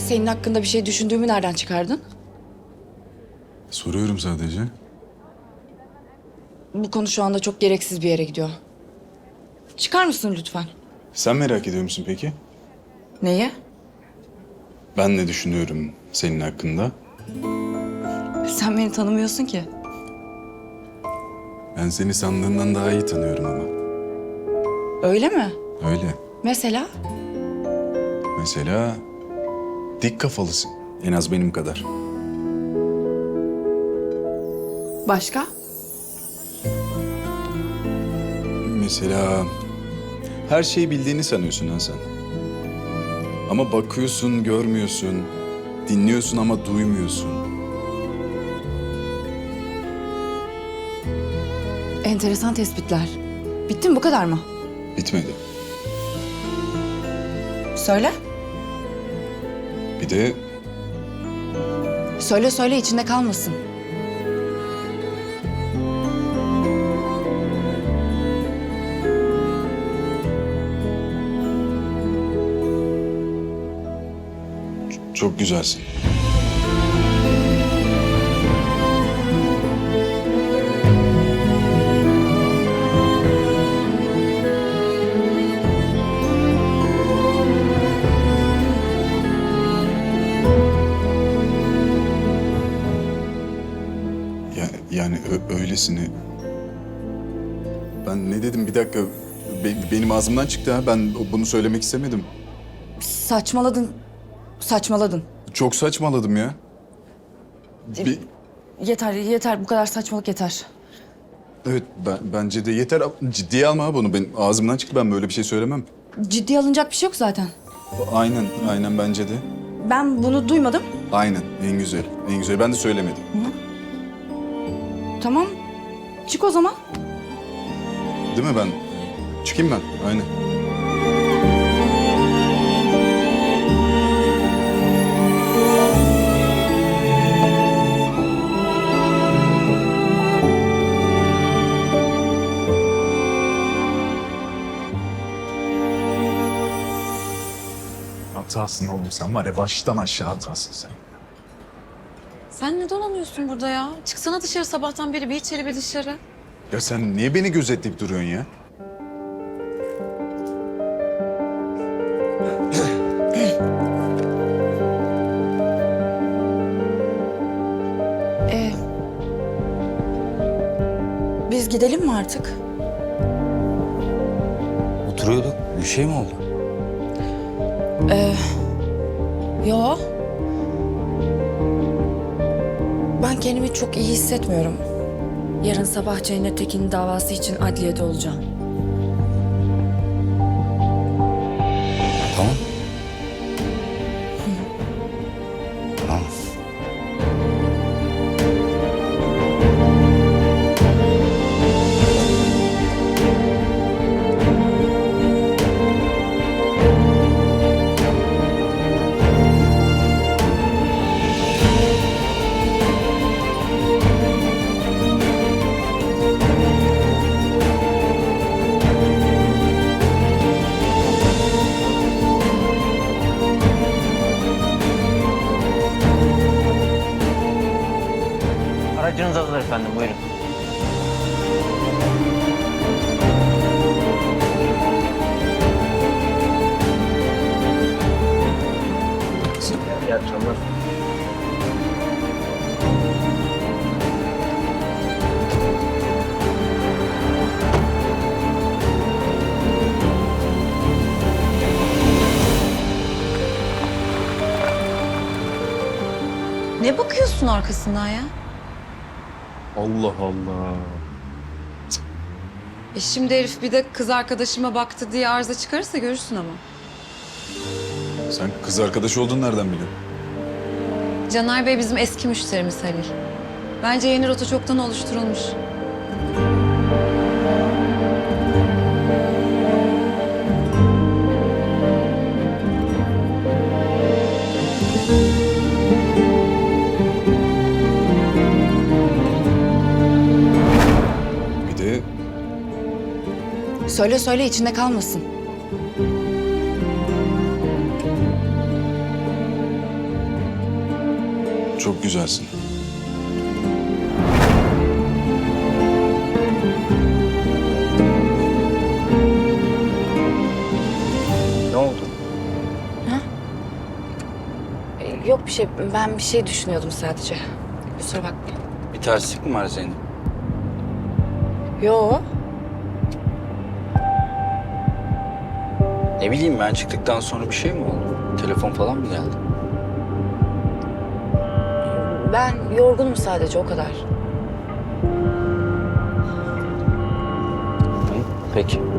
Senin hakkında bir şey düşündüğümü nereden çıkardın? Soruyorum sadece. Bu konu şu anda çok gereksiz bir yere gidiyor. Çıkar mısın lütfen? Sen merak ediyor musun peki? Neyi? Ben ne düşünüyorum senin hakkında? Sen beni tanımıyorsun ki. Ben seni sandığından daha iyi tanıyorum ama. Öyle mi? Öyle. Mesela? Mesela dik kafalısın. En az benim kadar. Başka? Mesela her şeyi bildiğini sanıyorsun ha sen. Ama bakıyorsun, görmüyorsun. Dinliyorsun ama duymuyorsun. Enteresan tespitler. Bitti mi, bu kadar mı? Bitmedi. Söyle. Bir de Söyle söyle, içinde kalmasın. çok güzelsin. Yani öylesini... Ben ne dedim bir dakika. Benim ağzımdan çıktı ha. Ben bunu söylemek istemedim. Saçmaladın. Saçmaladın. Çok saçmaladım ya. Bir- Yeter, yeter. Bu kadar saçmalık yeter. evet bence de yeter. Ciddiye alma ha bunu. Benim ağzımdan çıktı. Ben böyle bir şey söylemem. Ciddiye alınacak bir şey yok zaten. Aynen bence de. Ben bunu duymadım. Aynen en güzel. En güzel. Ben de söylemedim. Tamam. Çık o zaman. Değil mi ben? Çıkayım ben. Aynen. Hatasın oğlum sen var ya baştan aşağı hatasın sen. Sen ne dolanıyorsun burada ya? Çıksana dışarı sabahtan beri bir içeri bir dışarı. Ya sen niye beni gözetleyip duruyorsun ya? Biz gidelim mi artık? Oturuyorduk. Bir şey mi oldu? Yo. Ben kendimi çok iyi hissetmiyorum. Yarın sabah Cennet Tekin'in davası için adliyede olacağım. Tamam. Tamam. Aracınız hazır efendim, buyurun. İyi akşamlar. Ne bakıyorsun arkasından ya? Allah Allah. Şimdi herif bir de kız arkadaşıma baktı diye arıza çıkarırsa görürsün ama. Sen kız arkadaş olduğunu nereden biliyorsun? Caner Bey bizim eski müşterimiz Halil. Bence yeni rota çoktan oluşturulmuş. Bir de Söyle söyle, içinde kalmasın. Çok güzelsin. Ne oldu? Yok bir şey. Ben bir şey düşünüyordum sadece. Kusura bakma. Bir terslik mi var Zeynep? Yo. Ne bileyim ben çıktıktan sonra bir şey mi oldu? Telefon falan mı geldi? Ben yorgunum sadece o kadar. Hı, peki.